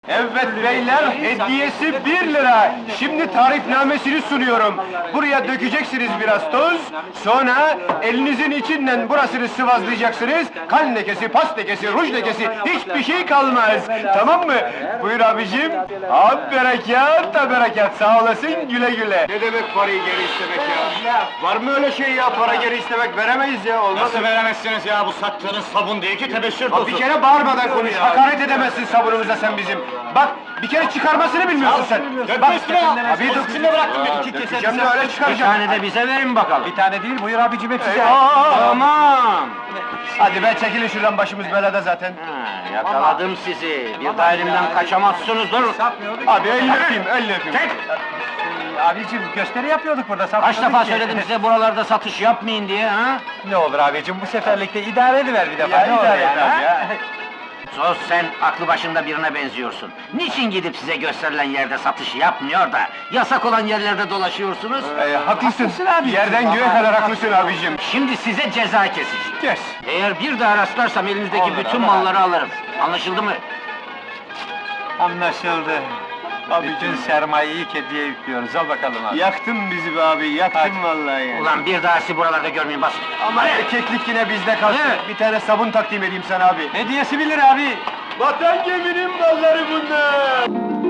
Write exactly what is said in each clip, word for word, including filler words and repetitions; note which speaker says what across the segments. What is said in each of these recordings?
Speaker 1: Evet beyler, hediyesi bir lira. Şimdi tarifnamesini sunuyorum. Buraya dökeceksiniz biraz toz, sonra elinizin içinden burasını sıvazlayacaksınız. Kan lekesi, pas lekesi, ruj lekesi, hiçbir şey kalmaz. Tamam mı? Buyur abicim. Abi berekat da berekat, sağ olasın, güle güle. Ne demek parayı geri istemek ya? Var mı öyle şey ya, para geri istemek veremeyiz ya, olmaz.
Speaker 2: Nasıl veremezsiniz ya, bu sattığınız sabun değil ki, tebeşir tozu!
Speaker 1: Bir kere bağırmadan konuş, hakaret edemezsin sabunumuza sen bizim. Bak, bir kere çıkarmasını bilmiyorsun sen.
Speaker 2: Dökme üstüne ya!
Speaker 1: Abi dur,
Speaker 2: Üstüne bıraktım, bir iki
Speaker 1: dökeceğim
Speaker 2: keser.
Speaker 1: de öyle çıkaracağım.
Speaker 2: Bir tane de bize verin bakalım.
Speaker 1: Bir tane değil, buyur abicim hepsi.
Speaker 2: Tamam!
Speaker 1: Hadi be, çekilin şuradan, başımız belada zaten.
Speaker 2: Ha, yakaladım sizi, bir daha elimden kaçamazsınız, dur!
Speaker 1: Abi elini öpeyim, elini öpeyim.
Speaker 2: Çek!
Speaker 1: Abicim, gösteri yapıyorduk burada,
Speaker 2: Kaç defa söyledim size buralarda satış yapmayın diye, ha?
Speaker 1: Ne olur abicim, bu seferlikte idare ediver bir defa,
Speaker 2: Ya,
Speaker 1: ne olur
Speaker 2: idare
Speaker 1: ya,
Speaker 2: et abi
Speaker 1: ha?
Speaker 2: Sus, sen aklı başında birine benziyorsun. Niçin gidip size gösterilen yerde satış yapmıyor da, yasak olan yerlerde dolaşıyorsunuz?
Speaker 1: Ee, haklısın, yerden göğe kadar haklısın abicim.
Speaker 2: Şimdi size ceza keseceğim.
Speaker 1: Kes.
Speaker 2: Eğer bir daha rastlarsam elinizdeki
Speaker 1: Olur,
Speaker 2: bütün
Speaker 1: olur.
Speaker 2: malları alırım. Anlaşıldı mı?
Speaker 3: Anlaşıldı. Bütün sermayeyi kediye yüklüyoruz, al bakalım abi.
Speaker 1: Yaktın bizi be abi, yaktın vallahi ya.
Speaker 2: Ulan bir daha sizi buralarda görmeyeyim, bas!
Speaker 1: Ama erkeklik yine bizde kalsın.
Speaker 2: Evet.
Speaker 1: Bir tane sabun takdim edeyim sana abi.
Speaker 3: Hediyesi bir lira abi.
Speaker 1: Vatan geminin malları bunlar!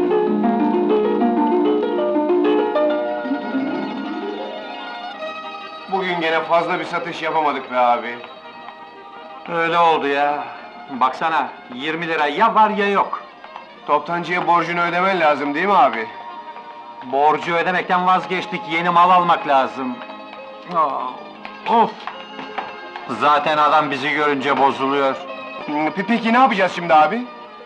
Speaker 1: Bugün gene fazla bir satış yapamadık be abi.
Speaker 3: Öyle oldu ya. Baksana, yirmi lira ya var ya yok.
Speaker 1: Toptancıya borcunu ödemen lazım değil mi abi?
Speaker 3: Borcu ödemekten vazgeçtik, yeni mal almak lazım. Aa, of! Zaten adam bizi görünce bozuluyor.
Speaker 1: Hmm, pe- Peki ne yapacağız şimdi abi?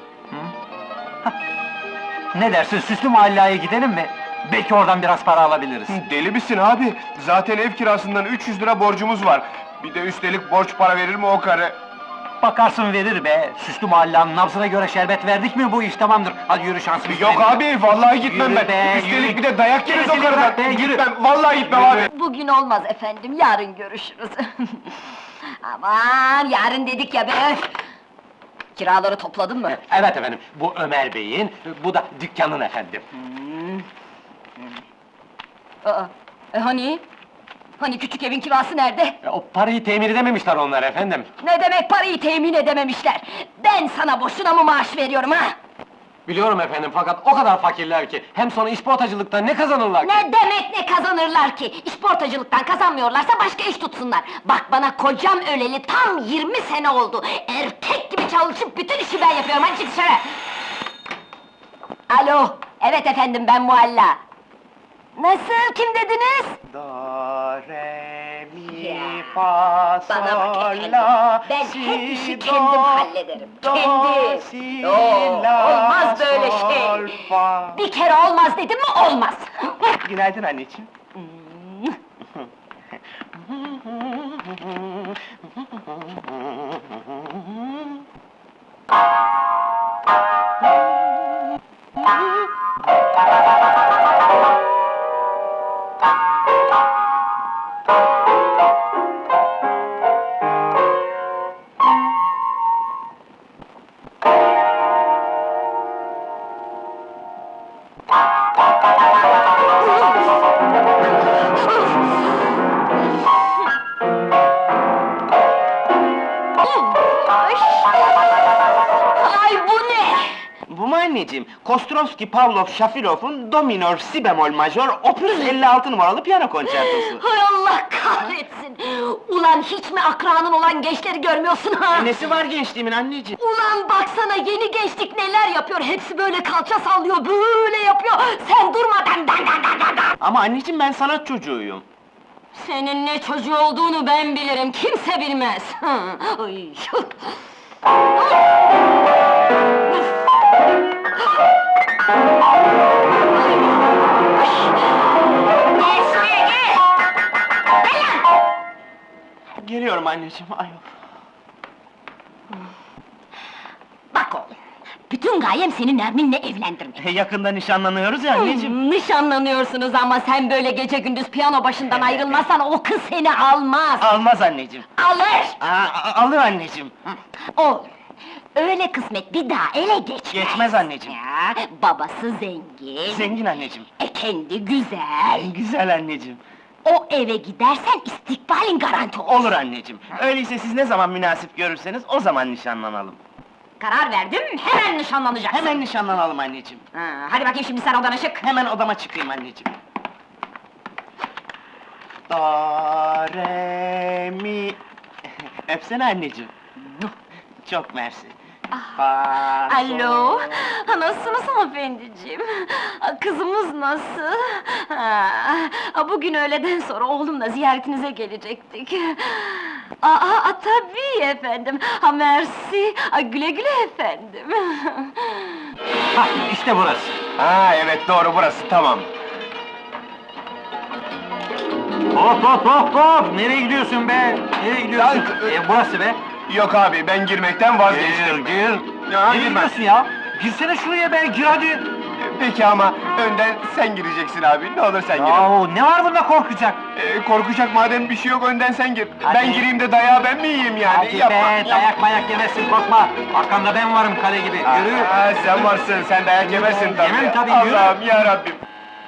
Speaker 3: Ne dersin, Süslü Mahalleye gidelim mi? Belki oradan biraz para alabiliriz.
Speaker 1: Deli misin abi? Zaten ev kirasından üç yüz lira borcumuz var. Bir de üstelik borç para verir mi o karı?
Speaker 3: Bakarsın verir be! Süslü Mahalle'nin nabzına göre şerbet verdik mi bu iş tamamdır. Hadi yürü şansımız.
Speaker 1: Yok abi, vallahi gitmem
Speaker 3: Yürü
Speaker 1: ben.
Speaker 3: be,
Speaker 1: Üstelik
Speaker 3: yürü.
Speaker 1: bir de dayak yeriz o
Speaker 3: Gerisini
Speaker 1: karıdan.
Speaker 3: bırak be, yürü.
Speaker 1: Gitmem, vallahi gitmem abi.
Speaker 4: Bugün olmaz efendim, yarın görüşürüz. Aman, yarın dedik ya be! öf! Kiraları topladın mı?
Speaker 3: Evet efendim, bu Ömer Bey'in, bu da dükkanın efendim.
Speaker 4: Aa, e hani? Hani küçük evin kirası nerede?
Speaker 3: E, O parayı temin edememişler onlar efendim.
Speaker 4: Ne demek parayı temin edememişler? Ben sana boşuna mı maaş veriyorum ha?
Speaker 3: Biliyorum efendim, fakat o kadar fakirler ki, hem sonra işportacılıktan ne kazanırlar ki?
Speaker 4: Ne demek ne kazanırlar ki? İşportacılıktan kazanmıyorlarsa başka iş tutsunlar. Bak bana kocam öleli tam yirmi sene oldu. Erkek gibi çalışıp bütün işi ben yapıyorum, hadi çık dışarı! Alo, evet efendim ben Mualla. Nasıl, kim dediniz?
Speaker 1: Do, re, mi,
Speaker 4: Ya,
Speaker 1: fa,
Speaker 4: Bana bak
Speaker 1: sol,
Speaker 4: efendim,
Speaker 1: la,
Speaker 4: ben
Speaker 1: si,
Speaker 4: hep işi
Speaker 1: do,
Speaker 4: kendim hallederim,
Speaker 1: do,
Speaker 4: kendi!
Speaker 1: si,
Speaker 4: Oo,
Speaker 1: la,
Speaker 4: olmaz böyle
Speaker 1: sol,
Speaker 4: şey!
Speaker 1: fa.
Speaker 4: Bir kere olmaz dedim mi, olmaz!
Speaker 1: Günaydın anneciğim.
Speaker 4: Ay! Ay bu ne?
Speaker 5: Bu mu anneciğim? Kostrovski, Pavlov, Shafirov'un Do minör, Si bemol majör, opus elli altı numaralı piyano konçertosu.
Speaker 4: Hay Allah kahretsin! Ulan hiç mi akranın olan gençleri görmüyorsun ha?
Speaker 5: E, Nesi var gençliğimin anneciğim?
Speaker 4: Ulan baksana yeni gençlik neler yapıyor, hepsi böyle kalça sallıyor, böyle yapıyor! Sen durmadan dan dan dan dan dan!
Speaker 5: Ama anneciğim ben sanat çocuğuyum.
Speaker 4: Senin ne çocuğu olduğunu ben bilirim, kimse bilmez! Ay! Gel şuraya gel! Gel lan!
Speaker 5: Geliyorum anneciğim, ayol.
Speaker 4: Bak oğlum, bütün gayem seni Nermin'le evlendirmek.
Speaker 5: E, yakında nişanlanıyoruz ya anneciğim.
Speaker 4: Hmm, nişanlanıyorsunuz ama sen böyle gece gündüz piyano başından ayrılmazsan o kız seni almaz!
Speaker 5: Almaz anneciğim.
Speaker 4: Alır!
Speaker 5: Aa, a- alır anneciğim.
Speaker 4: Oğlum, Öyle kısmet bir daha ele geçmez.
Speaker 5: Geçmez anneciğim.
Speaker 4: Ya, babası zengin.
Speaker 5: Zengin anneciğim.
Speaker 4: E kendi güzel.
Speaker 5: Güzel anneciğim.
Speaker 4: O eve gidersen istikbalin garanti olur.
Speaker 5: Olur anneciğim. Öyleyse siz ne zaman münasip görürseniz o zaman nişanlanalım.
Speaker 4: Karar verdim, hemen nişanlanacaksın.
Speaker 5: Hemen nişanlanalım anneciğim.
Speaker 4: Ha, hadi bakayım şimdi sen odana çık.
Speaker 5: Hemen odama çıkayım anneciğim. Do, re, mi... Öpsene anneciğim. Çok mersi. Fa, sol.
Speaker 4: Alo, ha, nasılsınız hanımefendiciğim? Ha, kızımız nasıl? Ha, ha, bugün öğleden sonra oğlumla ziyaretinize gelecektik. Aa, aa, tabii efendim, ha mersi, ha, güle güle efendim.
Speaker 3: Hah, işte burası.
Speaker 1: Ha evet doğru burası tamam.
Speaker 3: Hop hop hop hop! Nereye gidiyorsun be? Nereye gidiyorsun?
Speaker 1: Ya,
Speaker 3: E, burası be.
Speaker 1: Yok abi ben girmekten vazgeçtim.
Speaker 3: Gir, gir.
Speaker 1: Ya,
Speaker 3: Nereye
Speaker 1: girme.
Speaker 3: gidiyorsun ya? Girsene şuraya be, gir hadi.
Speaker 1: Peki ama önden sen gireceksin abi. Ne olur sen gir.
Speaker 3: Yahu ne var bunda korkacak?
Speaker 1: Ee, korkacak madem bir şey yok önden sen gir.
Speaker 3: Hadi.
Speaker 1: Ben gireyim de dayağı ben mi yiyeyim yani?
Speaker 3: Hadi
Speaker 1: Yapma.
Speaker 3: be, dayak mayak yemezsin, korkma. Arkanda ben varım kale gibi, yürü.
Speaker 1: Aa, sen varsın, sen dayak yemezsin tabii.
Speaker 3: Yemem tabii, yürü.
Speaker 1: Allah'ım yarabbim.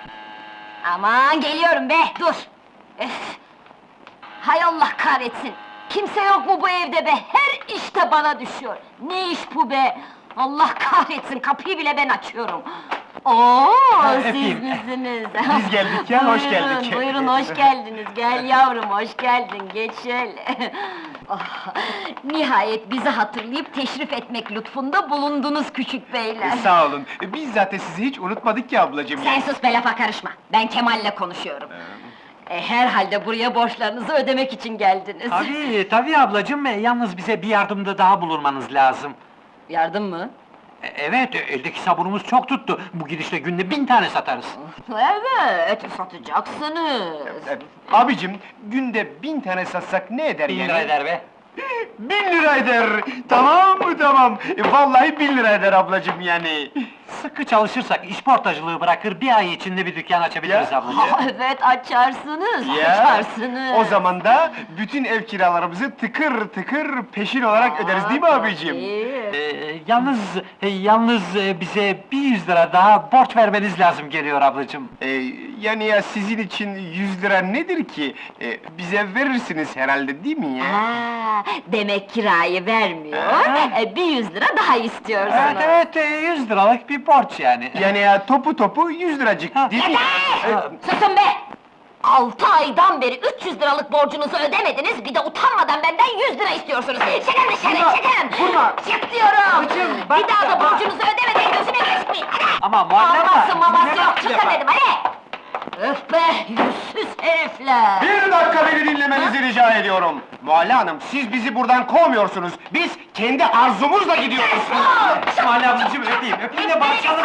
Speaker 4: Aman geliyorum be, dur! Öf! Hay Allah kahretsin! Kimse yok mu bu evde be? Her işte bana düşüyor! Ne iş bu be? Allah kahretsin, kapıyı bile ben açıyorum! Oo, siz
Speaker 3: öpeyim.
Speaker 4: misiniz?
Speaker 1: Biz geldik ya, hoş
Speaker 4: Buyurun,
Speaker 1: geldik.
Speaker 4: Buyurun, hoş geldiniz, gel yavrum, hoş geldin, geç şöyle! Oh, nihayet bizi hatırlayıp teşrif etmek lütfunda bulundunuz küçük beyler!
Speaker 1: Sağ olun. Biz zaten sizi hiç unutmadık ki ablacığım.
Speaker 4: Sen sus be, lafa karışma! Ben Kemal'le konuşuyorum! E, herhalde buraya borçlarınızı ödemek için geldiniz!
Speaker 3: Tabii, tabii ablacığım, e, yalnız bize bir yardımda daha bulunmanız lazım.
Speaker 4: Yardım mı?
Speaker 3: E, evet, e, eldeki sabunumuz çok tuttu. Bu gidişle günde bin tane satarız.
Speaker 4: Evet, satacaksınız!
Speaker 1: E, Abicim, günde bin tane satsak ne eder
Speaker 3: Bin
Speaker 1: yani?
Speaker 3: lira eder be.
Speaker 1: Bin lira eder! Tamam mı tamam? E, vallahi bin lira eder ablacığım yani.
Speaker 3: Sıkı çalışırsak işportacılığı bırakır, bir ay içinde bir dükkan açabiliriz
Speaker 1: Ya.
Speaker 3: ablacığım.
Speaker 4: Ha, evet, açarsınız,
Speaker 1: Ya,
Speaker 4: açarsınız!
Speaker 1: o zaman da bütün ev kiralarımızı tıkır tıkır peşin olarak öderiz değil mi abicim?
Speaker 4: Tabii.
Speaker 3: Ee, yalnız, e, yalnız e, bize bir yüz lira daha borç vermeniz lazım geliyor ablacığım.
Speaker 1: E, yani ya sizin için yüz lira nedir ki? E, bize verirsiniz herhalde değil mi ya?
Speaker 4: Ha, demek kirayı vermiyor,
Speaker 3: Ha.
Speaker 4: e, bir yüz lira daha istiyorsunuz!
Speaker 3: Evet, evet, e, yüz liralık bir borç yani.
Speaker 1: Yani ya topu topu yüz liracık
Speaker 3: Ha.
Speaker 1: değil mi?
Speaker 4: Yeter! Susun be! Altı aydan beri üç yüz liralık borcunuzu ödemediniz, bir de utanmadan benden yüz lira istiyorsunuz! Çıkın dışarı,
Speaker 1: Vurma,
Speaker 4: çıkın!
Speaker 1: vurma!
Speaker 4: Çık diyorum!
Speaker 3: Babacığım, bak
Speaker 4: bir daha da
Speaker 3: ya, bak.
Speaker 4: borcunuzu ödemeden gözüme geçmeyin! Hadi!
Speaker 3: Ama muhalle
Speaker 4: Aması maması
Speaker 3: ne
Speaker 4: yok,
Speaker 3: bak
Speaker 4: çıkın
Speaker 3: yapar?
Speaker 4: dedim, hadi! Öf be, yüzsüz herifler!
Speaker 1: Bir dakika beni dinlemenizi rica ediyorum. Muhalle Hanım, siz bizi buradan kovmuyorsunuz. Biz kendi arzumuzla gidiyoruz.
Speaker 3: Muhalle ablacığım öpeyim, öpeyim de barışalım.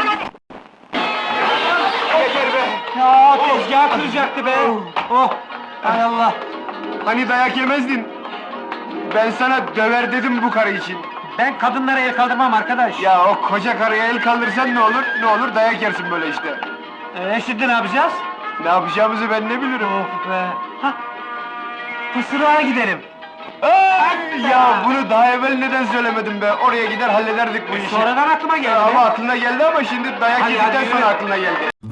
Speaker 1: Yeter be!
Speaker 3: Ya tezgahı kıracaktı be! Oh! Hay Allah!
Speaker 1: Hani dayak yemezdin? Ben sana döver dedim bu karı için.
Speaker 3: Ben kadınlara el kaldırmam arkadaş.
Speaker 1: Ya o koca karıya el kaldırsan ne olur? Ne olur dayak yersin böyle işte.
Speaker 3: Ee, şimdi ne yapacağız?
Speaker 1: Ne yapacağımızı ben ne bilirim?
Speaker 3: Of be! Hah! Fısırığa gidelim.
Speaker 1: Ay, ya bunu daha evvel neden söylemedin be? Oraya gider hallederdik bu işi.
Speaker 3: Sonradan aklıma geldi
Speaker 1: Ama
Speaker 3: be.
Speaker 1: aklına geldi ama şimdi dayak
Speaker 3: Hadi,
Speaker 1: yedikten
Speaker 3: hadi,
Speaker 1: sonra
Speaker 3: yürü.
Speaker 1: aklına geldi.